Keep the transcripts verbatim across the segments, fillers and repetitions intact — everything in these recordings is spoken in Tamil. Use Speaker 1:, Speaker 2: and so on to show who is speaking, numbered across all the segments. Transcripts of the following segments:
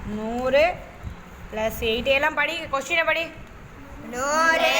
Speaker 1: நூறு ப்ளஸ் எயிட் எல்லாம் படி கொஸ்டினை படி
Speaker 2: நூறு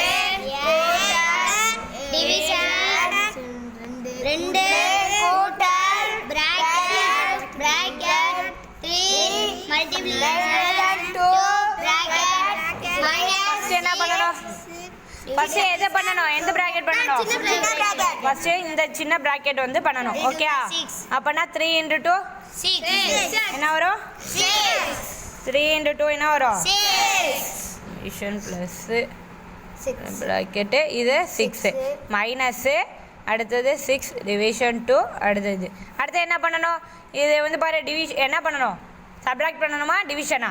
Speaker 2: ரெண்டு கூட்டல் bracket bracket three multiplication two bracket minus
Speaker 1: என்ன பண்ணணும் ஃபர்ஸ்ட் எதை பண்ணணும் எந்த பிராக்கெட் பண்ணணும் ஃபர்ஸ்ட் இந்த சின்ன பிராக்கெட் வந்து பண்ணணும் ஓகே அப்பனா த்ரீ இன்டு டூ என்ன வரும் த்ரீ இன்டு டூ என்ன வரும் டிவிஷன் ப்ளஸ் பிராக்கெட்டு இது சிக்ஸு மைனஸ்ஸு அடுத்தது சிக்ஸ் டிவிஷன் டூ அடுத்தது அடுத்து என்ன பண்ணணும் இது வந்து பாரு டிவிஷன் என்ன பண்ணணும் சப்ராக்ட் பண்ணணுமா டிவிஷனா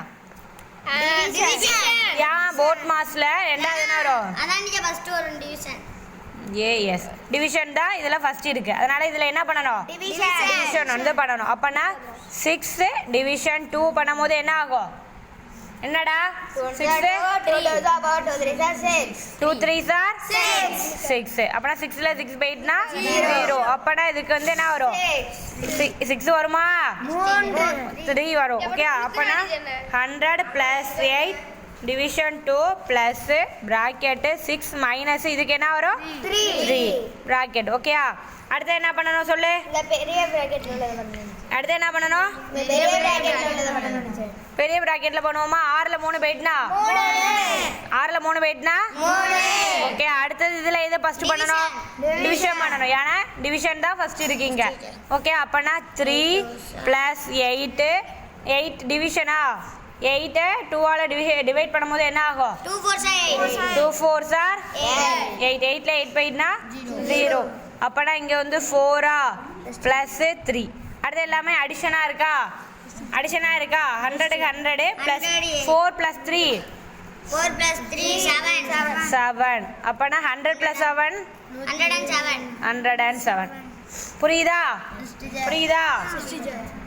Speaker 1: ஏன் போர்ட் மாஸில் ரெண்டாவது என்ன வரும் ஏஎஸ் டிவிஷன் தான் இதில் ஃபஸ்ட் இருக்குது அதனால் இதில் என்ன பண்ணணும் டிவிஷன் வந்து பண்ணணும் அப்போனா சிக்ஸ் டிவிஷன் டூ பண்ணும் போது என்ன ஆகும் என்னடா டூ த்ரீ சார் சிக்ஸ் அப்பனா சிக்ஸ்ல சிக்ஸ் போயிட்டுனா ஜீரோ அப்பனா இதுக்கு வந்து என்ன வரும் சிக்ஸ் வருமா த்ரீ வரும் ஓகே அப்பனா hundred plus eight division two plus bracket six minus இதுக்கு என்ன வரும் த்ரீ ப்ராக்கெட் ஓகேயா அடுத்து என்ன பண்ணணும் சொல்லு அடுத்து என்ன பண்ணணும் பெரிய ப்ராக்கெட்டில் பண்ணுவோமா ஆறில் மூணு போயிட்டுனா ஆறில் மூணு போயிட்டுனா ஓகே அடுத்தது இதில் எது ஃபஸ்ட்டு பண்ணணும் டிவிஷன் பண்ணணும் ஏன்னா டிவிஷன் தான் ஃபஸ்ட் இருக்கீங்க ஓகே அப்போனா த்ரீ ப்ளஸ் எயிட்டு எயிட் டிவிஷனா எயிட்டை டூவால் டிவி டிவைட் பண்ணும்போது என்ன ஆகும் டூ ஃபோர் சார் எயிட் எயிட்டில் எயிட் போயிட்டுனா ஜீரோ அப்போனா இங்கே வந்து ஃபோரா ப்ளஸ்ஸு த்ரீ அடுத்து எல்லாமே அடிஷனாக இருக்கா அடிஷனாக இருக்கா ஹண்ட்ரடுக்கு hundred plus four plus three seven அப்போனா hundred plus seven hundred and seven புரியுதா புரியுதா